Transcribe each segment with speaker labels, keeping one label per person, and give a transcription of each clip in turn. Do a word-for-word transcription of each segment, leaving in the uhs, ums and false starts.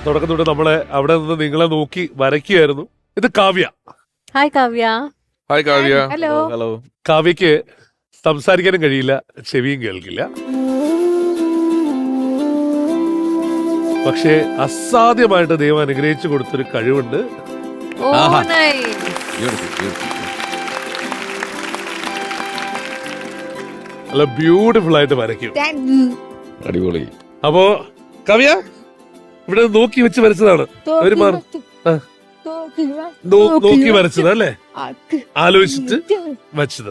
Speaker 1: തുടക്കം തൊട്ട് നമ്മളെ അവിടെ നിന്ന് നിങ്ങളെ നോക്കി വരയ്ക്കുകയായിരുന്നു. ഇത് Kavya.
Speaker 2: Hi Kavya.
Speaker 3: Hi Kavya.
Speaker 2: Hello.
Speaker 3: Hello.
Speaker 1: കാവ്യക്ക് സംസാരിക്കാനും കഴിയില്ല, ചെവിയും കേൾക്കില്ല. പക്ഷേ അസാധ്യമായിട്ട് ദൈവം അനുഗ്രഹിച്ചു കൊടുത്തൊരു കഴിവുണ്ട്.
Speaker 2: ഓ നൈസ്.
Speaker 1: നല്ല ബ്യൂട്ടിഫുൾ ആയിട്ട് വരയ്ക്കും.
Speaker 3: അടിപൊളി.
Speaker 1: അപ്പോ കാവ്യ ഇവിടെ നോക്കി വെച്ച് വരച്ചതാണ്. ഒരു മാർ നോക്കി വരച്ചത് അല്ലേ, ആലോചിച്ചിട്ട് വച്ചത്.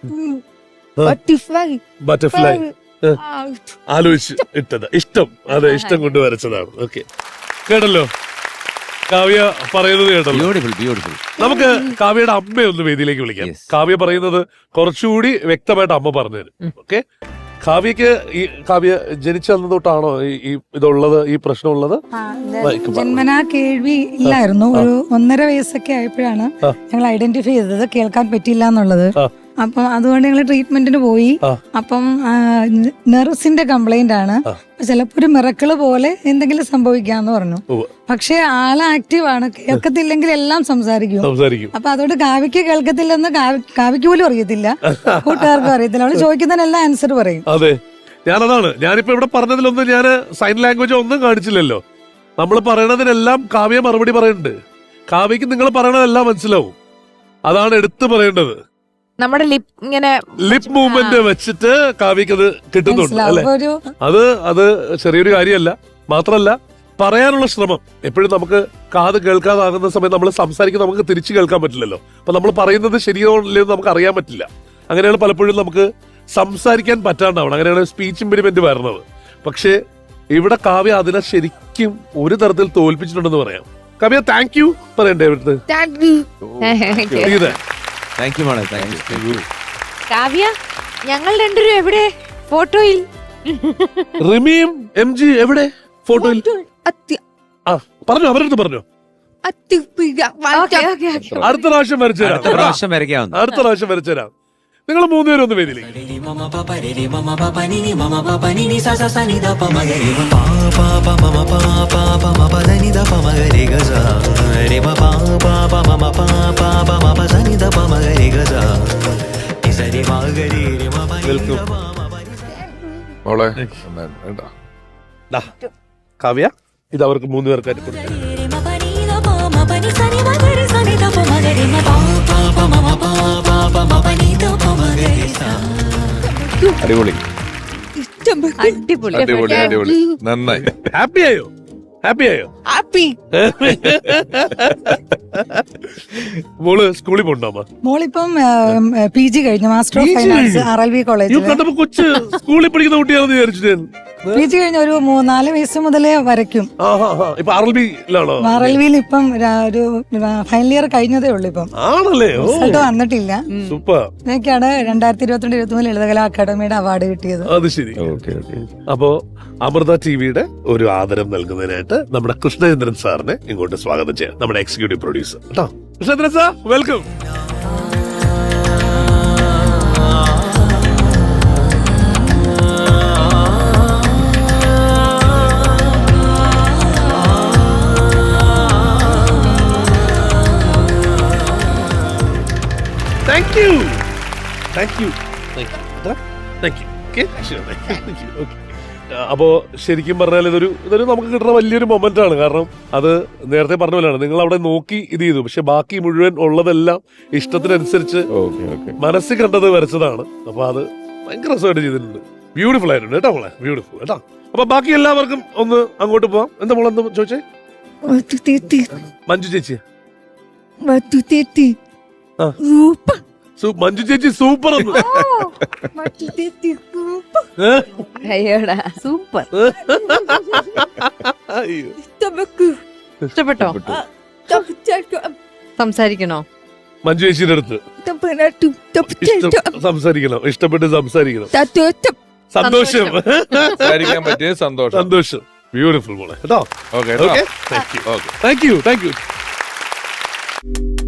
Speaker 1: ബട്ടർഫ്ലൈ ആലോചിച്ച് ഇട്ടത്. ഇഷ്ടം, അതെ, ഇഷ്ടം കൊണ്ട് വരച്ചതാണ്. ഓക്കെ, കേട്ടല്ലോ കാവ്യ പറയുന്നത് കേട്ടല്ലോ. നമുക്ക് കാവ്യയുടെ അമ്മയെ ഒന്ന് വേദിയിലേക്ക് വിളിക്കാം. കാവ്യ പറയുന്നത് കുറച്ചുകൂടി വ്യക്തമായിട്ട് അമ്മ പറഞ്ഞുതരും. ഓക്കെ, കാവ്യക്ക് ഈ കാവ്യ ജനിച്ചു തൊട്ടാണോ ഈ ഇതുള്ളത്, ഈ പ്രശ്നമുള്ളത്?
Speaker 4: ജന്മനാ കേൾവി ഇല്ലായിരുന്നു. ഒരു ഒന്നര വയസ്സൊക്കെ ആയപ്പോഴാണ് ഞങ്ങൾ ഐഡന്റിഫൈ ചെയ്തത് കേൾക്കാൻ പറ്റില്ല എന്നുള്ളത്. അപ്പം അതുകൊണ്ട് ഞങ്ങൾ ട്രീറ്റ്മെന്റിന് പോയി. അപ്പം നെർവ്സിന്റെ കംപ്ലൈന്റ് ആണ്, ചിലപ്പോ ഒരു മിറക്കിള് പോലെ എന്തെങ്കിലും സംഭവിക്കാന്ന് പറഞ്ഞു. പക്ഷെ ആള് ആക്റ്റീവ് ആണ്, കേൾക്കത്തില്ലെങ്കിൽ എല്ലാം സംസാരിക്കും. അപ്പൊ അതുകൊണ്ട് കാവ്യക്ക് കേൾക്കത്തില്ലെന്ന് കാവ്യക്ക് പോലും അറിയത്തില്ല, കൂട്ടുകാർക്കും അറിയത്തില്ല. അവള് ചോദിക്കുന്നതിനെല്ലാം ആൻസർ പറയും.
Speaker 1: അതെ, ഞാനതാണ് ഞാനിപ്പോ ഇവിടെ പറഞ്ഞതിലൊന്നും ഞാൻ സൈൻ ലാംഗ്വേജ് ഒന്നും കാണിച്ചില്ലല്ലോ. നമ്മൾ പറയണതിനെല്ലാം കാവ്യ മറുപടി പറയുന്നുണ്ട്. കാവ്യക്ക് നിങ്ങൾ പറയണതെല്ലാം മനസ്സിലാവും. അതാണ് എടുത്തു പറയേണ്ടത്.
Speaker 2: നമ്മുടെ ലിപ് ഇങ്ങനെ
Speaker 1: ലിപ് മൂവ്മെന്റ് വെച്ചിട്ട് കാവ്യക്ക് അത് കിട്ടുന്നുണ്ട് അല്ലെ. അത് അത് ചെറിയൊരു കാര്യമല്ല. മാത്രല്ല പറയാനുള്ള ശ്രമം എപ്പോഴും നമുക്ക് കാത് കേൾക്കാതാകുന്ന സമയത്ത് നമ്മൾ സംസാരിക്കുന്നത് നമുക്ക് തിരിച്ചു കേൾക്കാൻ പറ്റില്ലല്ലോ. അപ്പൊ നമ്മൾ പറയുന്നത് ശരിയോ ഇല്ലയോ നമുക്ക് അറിയാൻ പറ്റില്ല. അങ്ങനെയാണ് പലപ്പോഴും നമുക്ക് സംസാരിക്കാൻ പറ്റാണ്ടാവണം. അങ്ങനെയാണ് സ്പീച്ച് ഇംപെഡിമെന്റ് വരുന്നത്. പക്ഷെ ഇവിടെ കാവ്യ അതിനെ ശരിക്കും ഒരു തരത്തിൽ തോൽപ്പിച്ചിട്ടുണ്ടെന്ന് പറയാം. കാവ്യ താങ്ക് യു പറയണ്ടേ ഇവിടുത്തെ?
Speaker 2: കാവ്യ, ഞങ്ങൾ രണ്ടുപേരും എവിടെ ഫോട്ടോയിൽ?
Speaker 1: റിമിയും എം ജി എവിടെ ഫോട്ടോയിൽ? ആ പറഞ്ഞോ, അവരടുത്ത് പറഞ്ഞോ. അടുത്ത പ്രാവശ്യം വരച്ചുതരാം, അടുത്ത പ്രാവശ്യം വരച്ചുതരാം. നിങ്ങൾ മൂന്നുപേരും ഒന്ന് വേദിയിലേക്ക്. കാവ്യ, ഇത് അവർക്ക് മൂന്ന് പേർക്കായിട്ട് കൊടുക്കാം.
Speaker 3: അടിപൊളി,
Speaker 2: അടിപൊളി,
Speaker 3: അടിപൊളി, അടിപൊളി. നന്നായി.
Speaker 1: ഹാപ്പി ആയോ? ഹാപ്പി ആയോ?
Speaker 4: ഹാപ്പി.
Speaker 1: മോള് സ്കൂളിൽ പോണ്ടോ?
Speaker 4: മോളിപ്പം പി ജി കഴിഞ്ഞു, master of finance R L V കോളേജിൽ.
Speaker 1: കണ്ടപ്പോ കൊച്ച് സ്കൂളിൽ പഠിക്കുന്ന കുട്ടിയാണെന്ന് വിചാരിച്ചു.
Speaker 4: പി ജി കഴിഞ്ഞ ഒരു നാല് വയസ്സ് മുതലേ വരയ്ക്കും.
Speaker 1: ഇപ്പൊ ആർ എൽ വിയിലാണോ?
Speaker 4: ആർ എൽ വിയിൽ ഇപ്പം ഒരു ഫൈനൽ ഇയർ കഴിഞ്ഞതേ ഉള്ളൂ. ഇപ്പം
Speaker 1: ആണല്ലേ?
Speaker 4: റിസൾട്ട് വന്നിട്ടില്ല.
Speaker 1: സൂപ്പർ.
Speaker 4: എനിക്കാണ് രണ്ടായിരത്തി ഇരുപത്തിരണ്ട് ഇരുപത്തി മൂന്ന് ലളിതകലാ അക്കാദമിയുടെ അവാർഡ് കിട്ടിയത്.
Speaker 1: അത് ശരി. അപ്പോ അമൃത ടിവിയുടെ ഒരു ആദരം നൽകുന്നതിനായിട്ട് നമ്മുടെ കൃഷ്ണചന്ദ്രൻ സാറിനെ ഇങ്ങോട്ട് സ്വാഗതം ചെയ്യാം, നമ്മുടെ എക്സിക്യൂട്ടീവ് പ്രൊഡ്യൂസർ. കേട്ടോ, Krishnachandran sir, welcome. Thank you. Thank you. Thank you. Thank you. Okay? Sure. Thank you. Okay. അപ്പോ ശരിക്കും പറഞ്ഞാൽ ഇതൊരു ഇതൊരു നമുക്ക് കിട്ടുന്ന വലിയൊരു മൊമെന്റ് ആണ്. കാരണം അത് നേരത്തെ പറഞ്ഞ പോലെയാണ്, നിങ്ങൾ അവിടെ നോക്കി ഇത് ചെയ്തു, പക്ഷെ ബാക്കി മുഴുവൻ ഉള്ളതെല്ലാം ഇഷ്ടത്തിനനുസരിച്ച് മനസ്സിൽ കണ്ടത് വരച്ചതാണ്. അപ്പൊ അത് ഭയങ്കര രസമായിട്ട് ചെയ്തിട്ടുണ്ട്. ബ്യൂട്ടിഫുൾ ആയിട്ടുണ്ട് കേട്ടോ മോളെ, ബ്യൂട്ടിഫുൾ കേട്ടോ. അപ്പൊ ബാക്കി എല്ലാവർക്കും ഒന്ന് അങ്ങോട്ട് പോവാം. എന്താ മോളെ എന്താ ചോദിച്ചേ? മഞ്ജു ചേച്ചി. മഞ്ജു ചേച്ചി സൂപ്പർ.
Speaker 2: സൂപ്പർ. ഇഷ്ടപ്പെട്ടോ? സംസാരിക്കണോ
Speaker 1: മഞ്ജു ചേച്ചിയുടെ അടുത്ത്? സംസാരിക്കണം, ഇഷ്ടപ്പെട്ട് സംസാരിക്കണം. സന്തോഷം,
Speaker 3: സംസാരിക്കാൻ പറ്റിയ സന്തോഷം.
Speaker 1: സന്തോഷം. ബ്യൂട്ടിഫുൾ മോളെ കേട്ടോ. Okay, thank you, thank you, thank U.